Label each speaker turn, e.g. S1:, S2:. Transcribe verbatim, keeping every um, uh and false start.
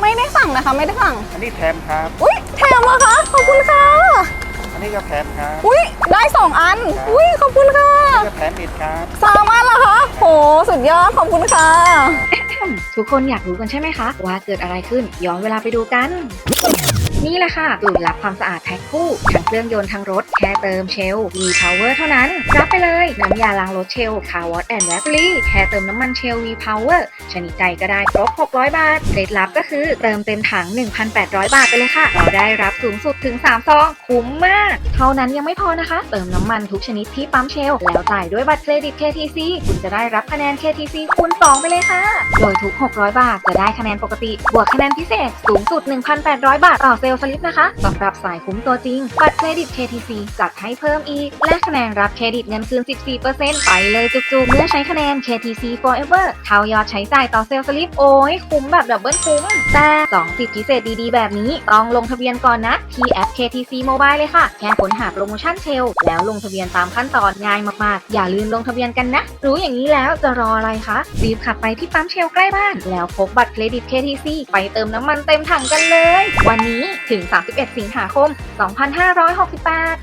S1: ไม่ได้สั่งนะคะไม่ได้สั่ง
S2: อันนี้แถมครับ
S1: อุ้ยแถมเหรอคะขอบคุณค่ะ
S2: อันนี้ก็แถมครับ
S1: อุ้ยได้สองอัน
S2: ครับ
S1: อุ้ยขอบคุณค่ะ
S2: อันนี้ก็แถมอีกครับ
S1: สามอันเหรอคะโหสุดยอดขอบคุณค่ะ
S3: ทุกคนอยากรู้กันใช่ไหมคะ ว่าเกิดอะไรขึ้นย้อนเวลาไปดูกัน นี่แหละค่ะสูตรลับความสะอาดแพ็คคู่ทั้งเครื่องยนต์ทั้งรถแค่เติมเชล V-Power เท่านั้น รับไปเลยน้ำยาล้างรถเชล Car Wash and Battery แค่เติมน้ำมันเชล V-Power ชนิดใดก็ได้ครบหกร้อยบาทเคล็ดลับก็คือเติมเต็มถัง หนึ่งพันแปดร้อย บาทไปเลยค่ะเราได้รับสูงสุดถึงสามซองคุ้มมากเท่านั้นยังไม่พอนะคะเติมน้ำมันทุกชนิดที่ปั๊มเชลแล้วจ่ายด้วยบัตรเครดิต เค ที ซี คุณจะได้รับคะแนน เค ที ซี คูณสองไปเลยค่ะโดยทุกหกร้อยบาทจะได้คะแนนปกติบวกคะแนนพิเศษสูงสุด หนึ่งพันแปดร้อย บาทต่อเซลล์สลิปนะคะสำหรับสายคุ้มตัวจริงบัตรเครดิต เค ที ซี จัดให้เพิ่มอีกและคะแนนรับเครดิตเงินคืน สิบสี่เปอร์เซ็นต์ ไปเลยจุกๆเมื่อใช้คะแนน เค ที ซี Forever เท่ายอดใช้จ่ายต่อเซลล์สลิปโอ้ยคุ้มแบบดับเบิลคุ้มแต่สองสิทธิพิเศษดีๆแบบนี้ต้องลงทะเบียนก่อนนะที่แอป เค ที ซี Mobile เลยค่ะแค่ค้นหาโปรโมชั่นเชลแล้วลงทะเบียนตามขั้นตอนง่ายมากๆอย่าลืมลงทะเบียนกันนะรู้อย่างนี้แล้วจะรออะไรคะรีบขับไปที่ปั๊มเชลใกล้บ้านแล้วพกบัตรเครดิต เค ที ซี ไปเติมน้ำมันเต็มถังกันเลยวันนี้ถึงสามสิบเอ็ดสิงหาคมสองพันห้าร้อยหกสิบแปด